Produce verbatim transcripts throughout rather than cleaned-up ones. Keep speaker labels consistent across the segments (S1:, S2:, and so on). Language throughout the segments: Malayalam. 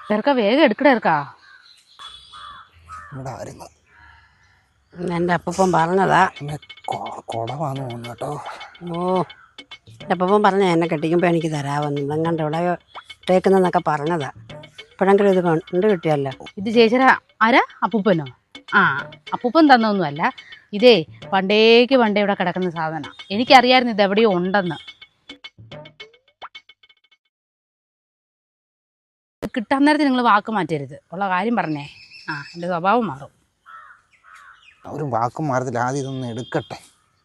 S1: ചെറുക്ക വേഗം എടുക്കട ചെറുക്കാ.
S2: എൻ്റെ അപ്പൂപ്പൻ പറഞ്ഞതാ.
S3: കുടവാന്ന് തോന്നുന്നു കേട്ടോ.
S2: ഓ, എൻ്റെ അപ്പൂപ്പൻ പറഞ്ഞ എന്നെ കെട്ടിക്കുമ്പോൾ എനിക്ക് തരാമെന്ന്. ഇതെങ്ങാണ്ട് ഇവിടെ ഇട്ടേക്കുന്നതെന്നൊക്കെ പറഞ്ഞതാ. ഇപ്പോഴെങ്കിലും ഇത് കണ്ട് കിട്ടിയല്ലോ.
S1: ഇത് ചേച്ചിര ആരാ? അപ്പൂപ്പനോ? ആ, അപ്പൂപ്പൻ തന്നൊന്നുമല്ല. ഇതേ പണ്ടേക്ക് പണ്ടേ ഇവിടെ കിടക്കുന്ന സാധനം. എനിക്കറിയായിരുന്നു ഇത് എവിടെയോ ഉണ്ടെന്ന്. കിട്ടാൻ നേരത്തെ നിങ്ങൾ വാക്ക് മാറ്റരുത്. ഉള്ള കാര്യം പറഞ്ഞേ. ആ, എൻ്റെ സ്വഭാവം മാറും.
S3: ഒരു വാക്കും മാറത്തില്ല. ആദ്യം ഇതൊന്ന് എടുക്കട്ടെ.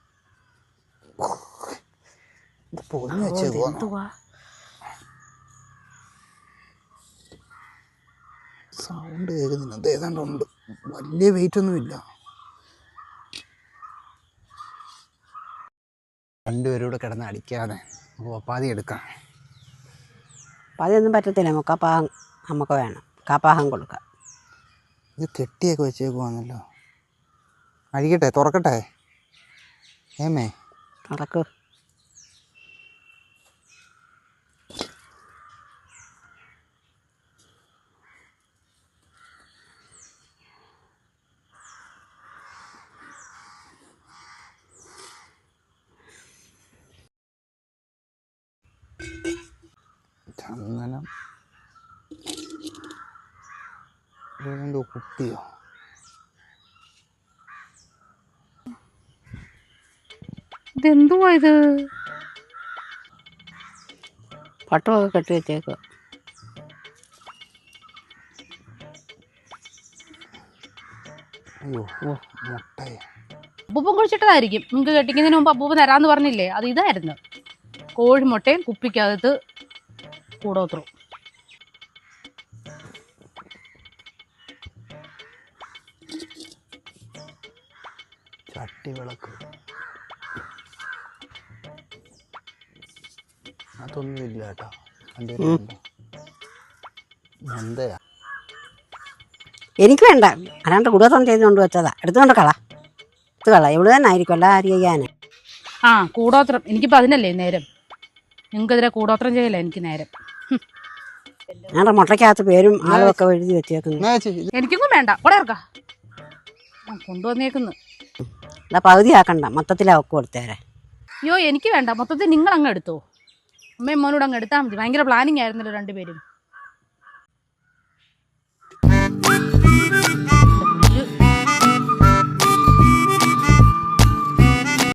S3: സൗണ്ട് കേൾക്കുന്നില്ല. അത് ഏതാണ്ട് ഉണ്ട്. വലിയ വെയിറ്റ് ഒന്നുമില്ല. രണ്ടുപേരും കൂടെ കിടന്ന് അടിക്കാതെ നമുക്ക് ഒപ്പാതി എടുക്കാം.
S2: അതൊന്നും പറ്റത്തില്ല. മുക്കാപ്പാഹം നമുക്ക് വേണം. കാപ്പാഹം കൊടുക്കാം.
S3: ഇത് കെട്ടിയൊക്കെ വെച്ചേക്കുവാന്നല്ലോ. അഴിക്കട്ടെ? തുറക്കട്ടെ? ഏമേ
S2: തുറക്ക്.
S3: ചന്ദനം എന്തോ കുപ്പിയോ?
S1: ഇതെന്തുവാ ഇത്?
S2: പട്ടുമൊക്കെ കെട്ടി വെച്ചേക്കുക.
S3: അയ്യോ, മുട്ടയെ
S1: അപ്പൂപ്പൻ കുഴിച്ചിട്ടതായിരിക്കും. നിങ്ങൾക്ക് കെട്ടിക്കുന്നതിന് മുമ്പ് അപ്പൂപ്പൻ തരാമെന്ന് പറഞ്ഞില്ലേ? അത് ഇതായിരുന്നു. കോഴിമുട്ടയും കുപ്പിക്കകത്ത് കൂടോത്രം.
S3: ചട്ടി വിളക്ക് അതൊന്നുമില്ല കേട്ടോ. എന്തയാ?
S2: എനിക്ക് വേണ്ട. അല്ലാണ്ട് കൂടോത്രം ചെയ്തുകൊണ്ട് വെച്ചതാ. എടുത്തുകൊണ്ട് കള. എടുത്ത് കള. ഇവിടെ തന്നെ ആയിരിക്കും. അല്ല ആര് ചെയ്യാന്?
S1: ആ, കൂടോത്രം. എനിക്കിപ്പോൾ അതിനല്ലേ നേരം. നിങ്ങൾക്കെതിരെ കൂടോത്രം ചെയ്യല്ലേ എനിക്ക് നേരം.
S2: ഞങ്ങളുടെ മുട്ടയ്ക്കകത്ത് പേരും ആളും ഒക്കെ എഴുതി വെച്ചേക്കുന്നു.
S1: എനിക്കൊന്നും വേണ്ട. കൂടെ ഇറക്കാം. കൊണ്ടുവന്നേക്കുന്നു.
S2: അല്ല, പകുതി ആക്കണ്ട. മൊത്തത്തിലാ ഒക്കെ കൊടുത്തേരെ.
S1: അയ്യോ, എനിക്ക് വേണ്ട. മൊത്തത്തിൽ നിങ്ങൾ അങ്ങ് എടുത്തോ. അമ്മയും മോനോട് അങ്ങ് എടുത്താൽ മതി. ഭയങ്കര പ്ലാനിങ് ആയിരുന്നല്ലോ രണ്ടുപേരും.